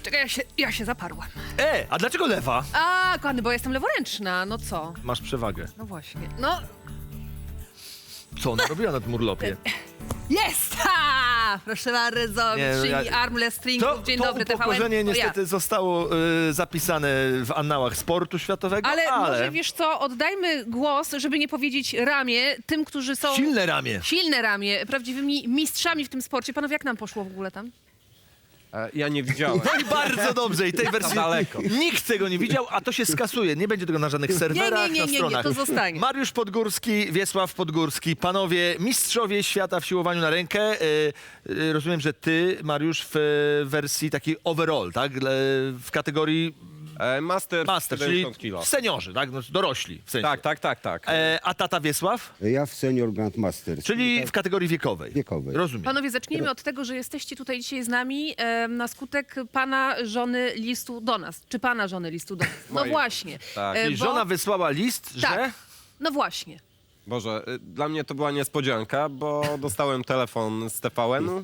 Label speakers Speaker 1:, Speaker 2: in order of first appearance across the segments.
Speaker 1: Czekaj, ja się zaparłam.
Speaker 2: A dlaczego lewa?
Speaker 1: A, kochany, bo jestem leworęczna, no co?
Speaker 2: Masz przewagę.
Speaker 1: No właśnie. No,
Speaker 2: Co ona robiła na tym urlopie?
Speaker 1: jest! Ha! Proszę bardzo,
Speaker 2: Nie, no
Speaker 1: mistrzyni
Speaker 2: ja-
Speaker 1: armless stringów. Dzień dobry,
Speaker 2: To upokorzenie
Speaker 1: TVN. To ja.
Speaker 2: niestety zostało zapisane w annałach sportu światowego,
Speaker 1: Ale
Speaker 2: ale
Speaker 1: może, wiesz co, oddajmy głos, żeby nie powiedzieć ramię, tym, którzy są...
Speaker 2: silne ramię.
Speaker 1: Silne ramię, prawdziwymi mistrzami w tym sporcie. Panowie, jak nam poszło w ogóle tam?
Speaker 3: Ja nie widziałem.
Speaker 2: No i bardzo dobrze. I tej wersji
Speaker 3: daleko.
Speaker 2: nikt tego nie widział, a to się skasuje. Nie będzie tego na żadnych serwerach, na
Speaker 1: nie,
Speaker 2: stronach.
Speaker 1: to zostanie.
Speaker 2: Mariusz Podgórski, Wiesław Podgórski. Panowie, mistrzowie świata w siłowaniu na rękę. Rozumiem, że ty, Mariusz, w wersji takiej overall, tak? W kategorii
Speaker 3: Master,
Speaker 2: master, czyli
Speaker 3: 70 kilo.
Speaker 2: seniorzy, tak? No, dorośli w sensie.
Speaker 3: Tak.
Speaker 2: A tata Wiesław?
Speaker 4: Ja w Senior Grandmaster.
Speaker 2: Czyli w kategorii wiekowej.
Speaker 4: Wiekowej.
Speaker 2: Rozumiem.
Speaker 1: Panowie, zacznijmy od tego, że jesteście tutaj dzisiaj z nami na skutek pana żony listu do nas. Czy pana żony listu do nas? No
Speaker 3: Mojej.
Speaker 1: właśnie.
Speaker 3: Tak.
Speaker 2: Czyli żona wysłała list, że...
Speaker 1: Tak, no właśnie.
Speaker 3: Boże, dla mnie to była niespodzianka, bo dostałem telefon z TVN-u,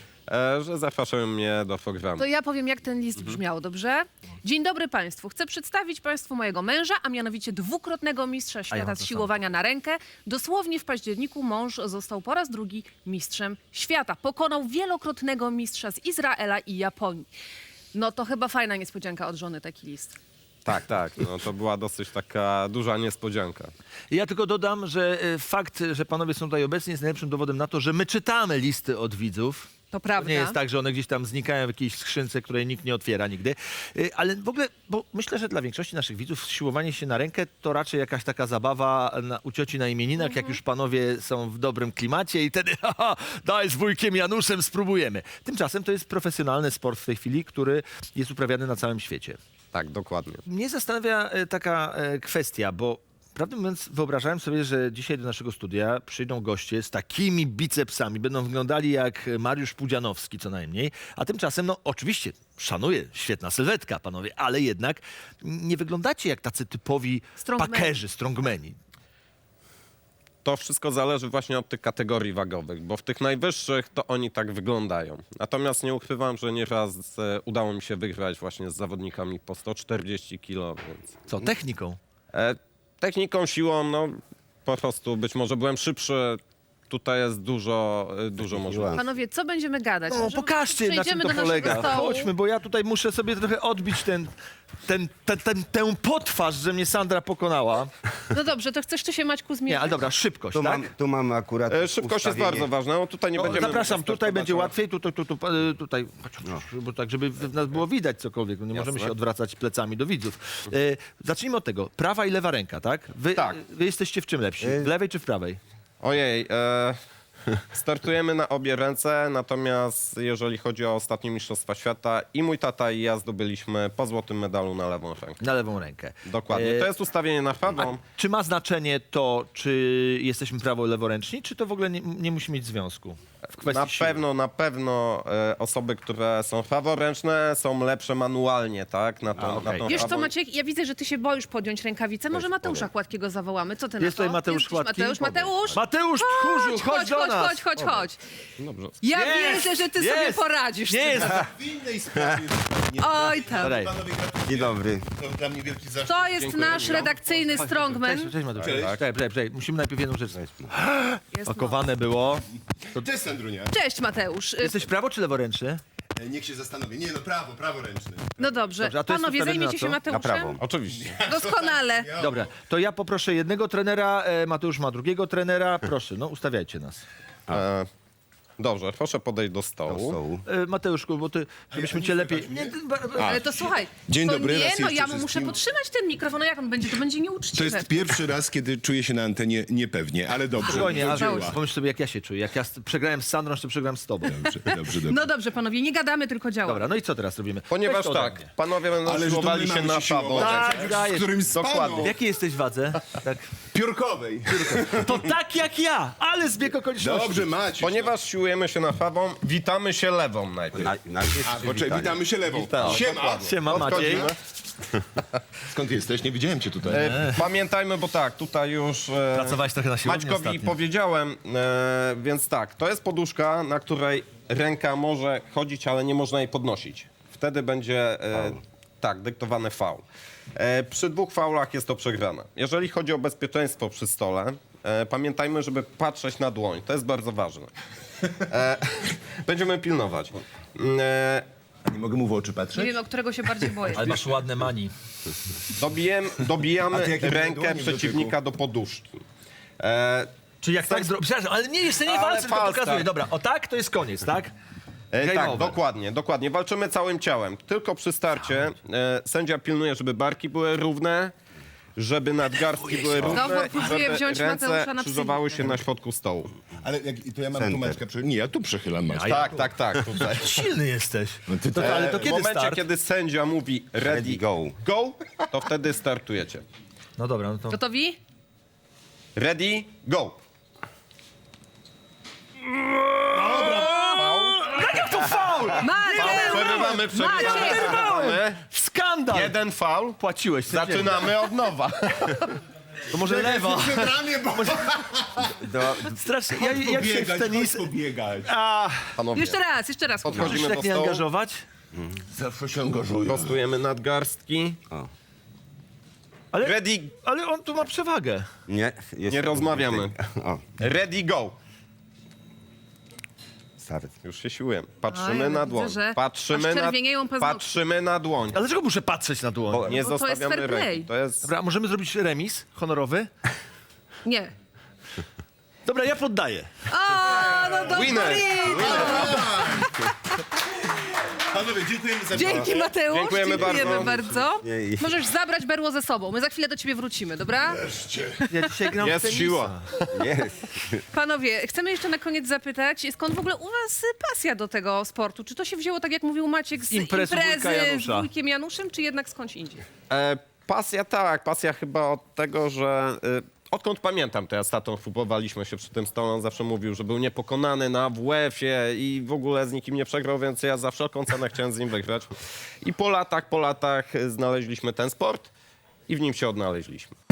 Speaker 3: że zapraszają mnie do programu.
Speaker 1: To ja powiem, jak ten list brzmiał, dobrze? Dzień dobry Państwu. Chcę przedstawić Państwu mojego męża, a mianowicie dwukrotnego mistrza
Speaker 2: mam
Speaker 1: świata
Speaker 2: to
Speaker 1: z siłowania na rękę. Dosłownie w październiku mąż został po raz drugi mistrzem świata. Pokonał wielokrotnego mistrza z Izraela i Japonii. No to chyba fajna niespodzianka od żony taki list.
Speaker 3: Tak, no to była dosyć taka duża niespodzianka.
Speaker 2: Ja tylko dodam, że fakt, że panowie są tutaj obecni jest najlepszym dowodem na to, że my czytamy listy od widzów.
Speaker 1: To prawda.
Speaker 2: Nie jest tak, że one gdzieś tam znikają w jakiejś skrzynce, której nikt nie otwiera nigdy. Ale w ogóle, bo myślę, że dla większości naszych widzów siłowanie się na rękę to raczej jakaś taka zabawa u cioci na imieninach, jak już panowie są w dobrym klimacie i wtedy daj z wujkiem Januszem, spróbujemy. Tymczasem to jest profesjonalny sport w tej chwili, który jest uprawiany na całym świecie.
Speaker 3: Tak, dokładnie.
Speaker 2: Mnie zastanawia taka kwestia, bo prawdę mówiąc wyobrażałem sobie, że dzisiaj do naszego studia przyjdą goście z takimi bicepsami, będą wyglądali jak Mariusz Pudzianowski co najmniej, a tymczasem, no oczywiście, szanuję, świetna sylwetka, panowie, ale jednak nie wyglądacie jak tacy typowi
Speaker 1: Strongmeni.
Speaker 2: pakerzy, strongmeni.
Speaker 3: To wszystko zależy właśnie od tych kategorii wagowych, bo w tych najwyższych to oni tak wyglądają. Natomiast nie ukrywam, że nieraz udało mi się wygrać właśnie z zawodnikami po 140 kg, więc...
Speaker 2: Co, techniką?
Speaker 3: Techniką, siłą, no po prostu być może byłem szybszy. Tutaj jest dużo możliwości.
Speaker 1: Panowie, co będziemy gadać?
Speaker 2: No,
Speaker 1: Może
Speaker 2: pokażcie, na czym
Speaker 1: przejdziemy
Speaker 2: to
Speaker 1: do naszego
Speaker 2: polega.
Speaker 1: stołu.
Speaker 2: Chodźmy, bo ja tutaj muszę sobie trochę odbić tę potwarz, że mnie Sandra pokonała.
Speaker 1: No dobrze, to chcesz tu się Maćku zmierzyć?
Speaker 2: Nie, ale dobra, szybkość,
Speaker 4: Tu,
Speaker 2: tak?
Speaker 4: tu mamy akurat
Speaker 3: Szybkość jest
Speaker 4: ustawienie.
Speaker 3: bardzo ważna. No, tutaj nie
Speaker 2: No,
Speaker 3: będziemy...
Speaker 2: zapraszam, tutaj będzie
Speaker 3: zobaczyła.
Speaker 2: łatwiej, tutaj, bo tak, żeby nas było widać cokolwiek, no nie możemy się odwracać plecami do widzów. Zacznijmy od tego, prawa i lewa ręka, tak?
Speaker 3: Tak.
Speaker 2: Wy jesteście w czym lepsi? W lewej czy w prawej?
Speaker 3: Ojej, startujemy na obie ręce, natomiast jeżeli chodzi o ostatnie Mistrzostwa Świata i mój tata i ja zdobyliśmy po złotym medalu na lewą rękę.
Speaker 2: Na lewą rękę.
Speaker 3: Dokładnie. To jest ustawienie na prawą.
Speaker 2: Czy ma znaczenie to, czy jesteśmy prawo-leworęczni, czy to w ogóle nie musi mieć związku? W kwestii
Speaker 3: Na pewno osoby, które są praworęczne, są lepsze manualnie, tak? Na tą
Speaker 1: Wiesz co,
Speaker 3: prawą.
Speaker 1: Maciek, ja widzę, że ty się boisz podjąć rękawicę. Może Mateusza Chładkiego zawołamy. Co ty na
Speaker 2: Jest
Speaker 1: to?
Speaker 2: tutaj Mateusz
Speaker 1: Jest
Speaker 2: Chładki?
Speaker 1: Mateusz, Mateusz!
Speaker 2: Mateusz Tchórzu, chodź do nas!
Speaker 1: Chodź.
Speaker 3: Dobrze.
Speaker 1: Ja
Speaker 2: Jest,
Speaker 1: wierzę, że ty
Speaker 2: jest.
Speaker 1: sobie poradzisz.
Speaker 2: Nie jest!
Speaker 5: W innej sprawie.
Speaker 1: Oj tam.
Speaker 2: Daj.
Speaker 5: Panowie, gratuluję.
Speaker 4: Dzień dobry.
Speaker 5: To dla mnie wielki zaszczyt.
Speaker 1: To jest nasz redakcyjny strongman.
Speaker 2: Cześć Mateusz.
Speaker 5: Cześć.
Speaker 2: Czekaj, musimy najpierw jedną rzecz.
Speaker 1: Jest
Speaker 2: Pakowane było.
Speaker 5: Cześć, Sandrunia.
Speaker 1: Cześć Mateusz.
Speaker 2: Jesteś prawo czy leworęczny?
Speaker 5: Niech się zastanowi. Nie, no praworęczny.
Speaker 1: No dobrze.
Speaker 2: Dobrze, a to jest
Speaker 1: Panowie,
Speaker 2: ustawione
Speaker 1: zajmiecie
Speaker 2: na
Speaker 1: się
Speaker 2: co?
Speaker 1: Mateuszem?
Speaker 4: Na prawo.
Speaker 3: Oczywiście.
Speaker 1: Doskonale.
Speaker 2: Dobra, to ja poproszę jednego trenera, Mateusz ma drugiego trenera. Proszę, no ustawiajcie nas.
Speaker 3: Dobrze, proszę podejść do
Speaker 4: Do
Speaker 3: stołu.
Speaker 4: stołu.
Speaker 2: Mateuszku, bo ty, żebyśmy cię lepiej... Nie,
Speaker 1: Ale to słuchaj.
Speaker 5: Dzień
Speaker 1: to
Speaker 5: dobry,
Speaker 1: nie,
Speaker 5: raz
Speaker 1: no
Speaker 5: jeszcze
Speaker 1: ja mu muszę
Speaker 5: wszystkim.
Speaker 1: podtrzymać ten mikrofon. No jak on będzie? To będzie nieuczciwe.
Speaker 5: To jest pierwszy raz, kiedy czuję się na antenie niepewnie, ale dobrze.
Speaker 2: Spokojnie,
Speaker 5: do
Speaker 2: a
Speaker 5: dzieła.
Speaker 2: pomyśl sobie, jak ja się czuję. Jak ja przegrałem z Sandrą, czy przegrałem z tobą.
Speaker 5: Dobrze.
Speaker 1: No dobrze, panowie, nie gadamy, tylko działamy.
Speaker 2: Dobra, no i co teraz robimy?
Speaker 3: Ponieważ
Speaker 2: Weź to ode
Speaker 3: tak,
Speaker 2: mnie.
Speaker 3: panowie będą
Speaker 5: Ale że to
Speaker 3: siłowali
Speaker 5: my
Speaker 3: się
Speaker 5: mamy
Speaker 3: na
Speaker 5: się
Speaker 3: prawo.
Speaker 5: siłować.
Speaker 2: Tak, dajesz.
Speaker 5: Z którym spano.
Speaker 3: Dokładnie.
Speaker 2: W jakiej jesteś wadze? Tak.
Speaker 5: Piórkowej.
Speaker 2: To tak jak ja, ale zbieg okoliczności.
Speaker 5: Dobrze, Maciuś.
Speaker 3: Ponieważ siłujemy się na prawą, witamy się lewą najpierw.
Speaker 4: Najpierw
Speaker 5: Poczekaj,
Speaker 4: przywitanie.
Speaker 5: witamy się lewą.
Speaker 3: Witam.
Speaker 5: Siema.
Speaker 2: Siema Maciej.
Speaker 5: Skąd jesteś? Nie widziałem cię tutaj.
Speaker 3: Pamiętajmy, bo tak, tutaj już
Speaker 2: Pracowałeś trochę na siłowni
Speaker 3: Maćkowi
Speaker 2: ostatnio.
Speaker 3: powiedziałem, więc tak, to jest poduszka, na której ręka może chodzić, ale nie można jej podnosić. wtedy będzie tak, dyktowany faul. Przy 2 faulach jest to przegrane. Jeżeli chodzi o bezpieczeństwo przy stole, pamiętajmy, żeby patrzeć na dłoń. To jest bardzo ważne. Będziemy pilnować.
Speaker 5: Nie mogę mu w oczy
Speaker 1: Nie
Speaker 5: patrzeć?
Speaker 1: wiem, o którego się bardziej boję.
Speaker 2: Ale masz ładne mani.
Speaker 3: Dobijamy
Speaker 5: A ty jakie
Speaker 3: rękę
Speaker 5: dłonie w
Speaker 3: przeciwnika do poduszki.
Speaker 2: Czyli jak tak zrobisz... Przepraszam, ale nie, jeszcze nie
Speaker 3: Ale
Speaker 2: walczę, tylko
Speaker 3: falstart.
Speaker 2: pokazuję. Dobra, o tak, to jest koniec, tak? Game
Speaker 3: Tak,
Speaker 2: over.
Speaker 3: dokładnie. Walczymy całym ciałem. Tylko przy starcie sędzia pilnuje, żeby barki były równe, żeby nadgarstki były równe
Speaker 1: Znowu
Speaker 3: i
Speaker 1: próbuję
Speaker 3: żeby
Speaker 1: wziąć Mateusza
Speaker 3: ręce
Speaker 1: na
Speaker 3: krzyżowały
Speaker 1: psychikę.
Speaker 3: się na środku stołu.
Speaker 5: Ale to ja mam
Speaker 4: Center.
Speaker 5: tu Maćka Nie, ja tu przechylam Maćka.
Speaker 3: Tak, tutaj.
Speaker 2: Silny jesteś.
Speaker 5: No ty
Speaker 2: To, ale to
Speaker 3: W
Speaker 2: kiedy
Speaker 3: momencie,
Speaker 2: start?
Speaker 3: kiedy sędzia mówi ready, go, to wtedy startujecie.
Speaker 2: No dobra, no to...
Speaker 1: Gotowi?
Speaker 3: Ready, go.
Speaker 1: Mateusz!
Speaker 3: Przerywamy.
Speaker 2: Skandal!
Speaker 3: 1 faul.
Speaker 2: Płaciłeś. sędziemu.
Speaker 3: Zaczynamy od nowa.
Speaker 2: To może lewa.
Speaker 5: Ramię, bo
Speaker 2: Strasznie. Jak się w tenis...
Speaker 5: pobiegać.
Speaker 3: Panowie,
Speaker 1: Jeszcze raz.
Speaker 2: Możesz
Speaker 3: podchodzimy
Speaker 2: się
Speaker 3: do
Speaker 2: tak nie
Speaker 3: stołu,
Speaker 2: angażować?
Speaker 5: Zawsze się angażuję.
Speaker 3: prostujemy nadgarstki.
Speaker 2: Ale,
Speaker 3: Ready,
Speaker 2: ale on tu ma przewagę.
Speaker 4: Nie,
Speaker 3: nie rozmawiamy.
Speaker 4: O,
Speaker 3: Ready, go.
Speaker 4: start.
Speaker 3: Już się siłujemy. Patrzymy
Speaker 1: A, ja
Speaker 3: na
Speaker 1: widzę,
Speaker 3: dłoń.
Speaker 1: że
Speaker 3: Patrzymy
Speaker 1: aż
Speaker 3: na,
Speaker 1: czerwienieją paznokcie.
Speaker 3: patrzymy na dłoń.
Speaker 2: Ale dlaczego muszę patrzeć na dłoń?
Speaker 3: Nie
Speaker 1: Bo to jest
Speaker 3: zostawiamy
Speaker 1: fair play.
Speaker 3: ręki. To jest...
Speaker 2: Dobra, a możemy zrobić remis honorowy?
Speaker 1: Nie.
Speaker 2: Dobra, ja poddaję.
Speaker 1: O, no to
Speaker 3: Winner.
Speaker 5: Panowie, dziękujemy za
Speaker 1: Dzięki, Mateusz.
Speaker 3: Dziękujemy bardzo.
Speaker 1: bardzo.
Speaker 4: Nie.
Speaker 1: Możesz zabrać berło ze sobą. My za chwilę do ciebie wrócimy, dobra?
Speaker 2: Ja dzisiaj gram w
Speaker 3: Jest
Speaker 2: tenisa.
Speaker 3: siła.
Speaker 4: Jest.
Speaker 1: Panowie, chcemy jeszcze na koniec zapytać, skąd w ogóle u was pasja do tego sportu? Czy to się wzięło, tak jak mówił Maciek, z
Speaker 2: Imprezy wujka
Speaker 1: imprezy z
Speaker 2: Janusza.
Speaker 1: wujkiem Januszem, czy jednak skądś indziej?
Speaker 3: Pasja tak, pasja chyba od tego, że odkąd pamiętam, to ja z tatą próbowaliśmy się przy tym stole, on zawsze mówił, że był niepokonany na WF-ie i w ogóle z nikim nie przegrał, więc ja za wszelką cenę chciałem z nim wygrać. I po latach znaleźliśmy ten sport i w nim się odnaleźliśmy.